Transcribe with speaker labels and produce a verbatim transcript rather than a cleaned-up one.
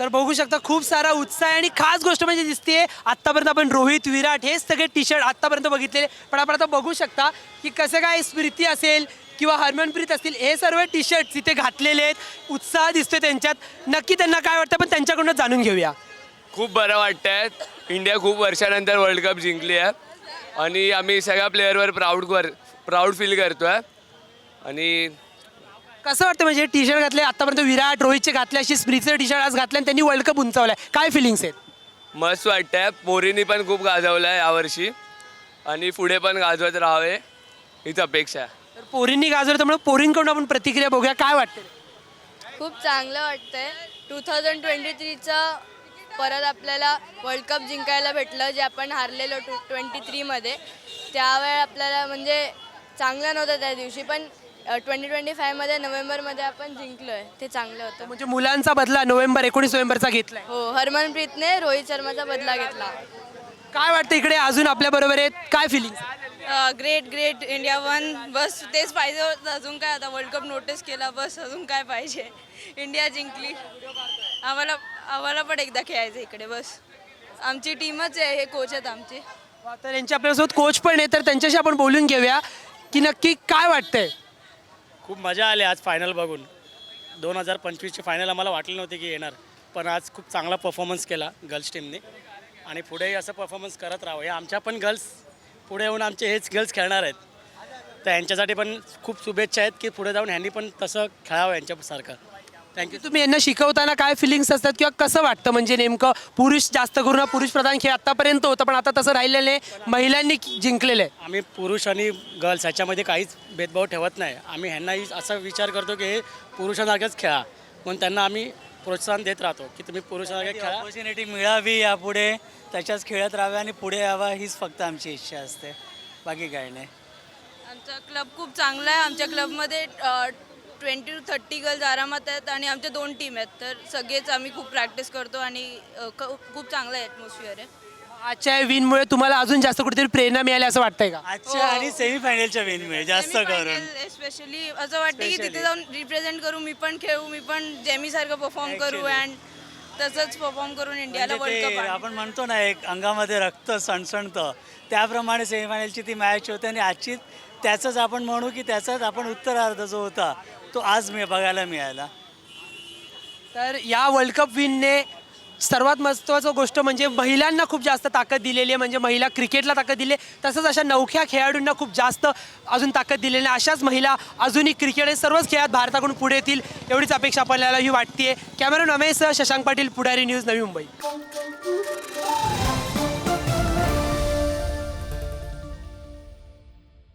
Speaker 1: तर बघू शकता खूप सारा उत्साह आहे आणि खास गोष्ट म्हणजे दिसते आत्तापर्यंत आपण रोहित विराट हे सगळे टी शर्ट आत्तापर्यंत बघितलेले, पण आपण आता बघू शकता की कसं काय स्मृती असेल किंवा हरमनप्रीत असतील हे सर्व टी शर्ट तिथे घातलेले आहेत. उत्साह दिसतोय त्यांच्यात. नक्की त्यांना काय वाटतं पण त्यांच्याकडून जाणून घेऊया.
Speaker 2: खूप बरं वाटतंय. इंडिया खूप वर्षानंतर वर्ल्ड कप जिंकली आहे आणि आम्ही सगळ्या प्लेअरवर प्राऊड कर प्राऊड फील करतो आहे. आणि
Speaker 1: कसं वाटतं म्हणजे टी शर्ट घातले आत्तापर्यंत विराट रोहितचे घातले अशी स्मृतीचे टी शर्ट आज घातले आणि त्यांनी वर्ल्ड कप उंचावलाय, काय फिलिंग्स आहेत?
Speaker 2: मस्त वाटतंय. पोरींनी पण खूप गाजवलं आहे यावर्षी आणि पुढे पण गाजवत राहावे हीच अपेक्षा आहे.
Speaker 1: तर पोरींनी गाजवलं त्यामुळे पोरींकडून आपण प्रतिक्रिया बघूया, काय वाटतं?
Speaker 3: खूप चांगलं वाटतंय. टू थाउजंड ट्वेंटी थ्रीचं परत आपल्याला वर्ल्ड कप जिंकायला भेटलं, जे आपण हारलेलो टू ट्वेंटी थ्रीमध्ये. त्यावेळे आपल्याला म्हणजे चांगलं नव्हतं त्या दिवशी, पण ट्वेंटी ट्वेंटी फायमध्ये नोव्हेंबरमध्ये आपण जिंकलो आहे, ते चांगलं होतं.
Speaker 1: म्हणजे मुलांचा बदला नोव्हेंबर एकोणीस नोव्हेंबरचा घेतलाय.
Speaker 3: हो, हरमनप्रीतने रोहित शर्माचा बदला घेतला.
Speaker 1: काय वाटतं इकडे अजून आपल्या बरोबर आहेत, काय feeling?
Speaker 4: Great great India one. बस तेच पाहिजे होतं. अजून काय, आता वर्ल्ड कप नोटीस केला, बस अजून काय पाहिजे. इंडिया जिंकली. आम्हाला आम्हाला पण एकदा खेळायचं इकडे. बस आमची टीमच आहे, हे कोच आहेत आमचे.
Speaker 1: तर यांच्या आपल्यासोबत कोच पण आहे, तर त्यांच्याशी आपण बोलून घेऊया की नक्की काय वाटतंय.
Speaker 5: खूप मजा आली आज फायनल बघून. दोन हजार पंचवीसची फायनल आम्हाला वाटलं नव्हते की येणार, पण आज खूप चांगला परफॉर्मन्स केला गर्ल्स टीमने आणि पुढेही असं परफॉर्मन्स करत राहावं. या आमच्या पण गर्ल्स पुढे येऊन आमचे हेच गर्ल्स खेळणार आहेत, तर यांच्यासाठी पण खूप शुभेच्छा आहेत की पुढे जाऊन ह्यांनी पण तसं खेळावं यांच्यासारखं. थँक्यू.
Speaker 1: तुम्ही यांना शिकवताना काय फिलिंग्स असतात किंवा कसं वाटतं, म्हणजे नेमकं पुरुष जास्त करून पुरुष प्रधान खेळ आतापर्यंत होतं पण आता तसं राहिलेलं आहे, महिलांनी जिंकलेलं आहे.
Speaker 5: आम्ही पुरुष आणि गर्ल्स ह्याच्यामध्ये काहीच भेदभाव ठेवत नाही. आम्ही ह्यांनाही असा विचार करतो की हे पुरुषांसारखंच खेळा, म्हणून त्यांना आम्ही प्रोत्साहन देत राहतो की तुम्ही पुरुषांसारखे खेळा.
Speaker 6: ऑपॉर्च्युनिटी मिळावी यापुढे, त्याच्याच खेळत राहावे आणि पुढे यावा हीच फक्त आमची इच्छा असते, बाकी काही नाही.
Speaker 4: आमचा क्लब खूप चांगला आहे. आमच्या क्लबमध्ये ट्वेंटी टू थर्टी गर्ल्स आरामात आहेत आणि आमच्या दोन टीम आहेत, तर सगळेच आम्ही खूप प्रॅक्टिस करतो आणि अ, क- खूप चांगलं ॲटमॉस्फिअर आहे.
Speaker 1: आजच्या विनमुळे तुम्हाला अजून जास्त कुठेतरी प्रेरणा मिळाली असं वाटतंय का?
Speaker 6: आजच्या आणि सेमीफायनलच्या विनमुळे जास्त करून
Speaker 4: स्पेशली असं वाटतं की तिथे जाऊन रिप्रेझेंट करू, मी पण खेळू, मी पण जेमीसारखं परफॉर्म करू अँड तसंच परफॉर्म करून इंडियाला
Speaker 6: म्हणजे
Speaker 4: वर्ल्ड
Speaker 6: ते
Speaker 4: कप.
Speaker 6: आपण म्हणतो ना एक अंगामध्ये रक्त सणसणतं, त्याप्रमाणे सेमीफायनलची ती मॅच होते आणि आजची त्याचंच आपण म्हणू की त्याचाच आपण उत्तरार्ध जो होता तो आज मी बघायला मिळाला.
Speaker 1: तर या वर्ल्ड कप विनने सर्वात महत्त्वाचं गोष्ट म्हणजे महिलांना खूप जास्त ताकद दिलेली आहे, म्हणजे महिला क्रिकेटला ताकद दिली आहे, तसंच अशा नवख्या खेळाडूंना खूप जास्त अजून ताकद दिलेली आहे. अशाच महिला अजूनही क्रिकेट हे सर्वच खेळात भारताकडून पुढे येतील एवढीच अपेक्षा आपल्याला ही वाटते. Camera Ramesh Shashank Patil, Pudhari news, Navi Mumbai.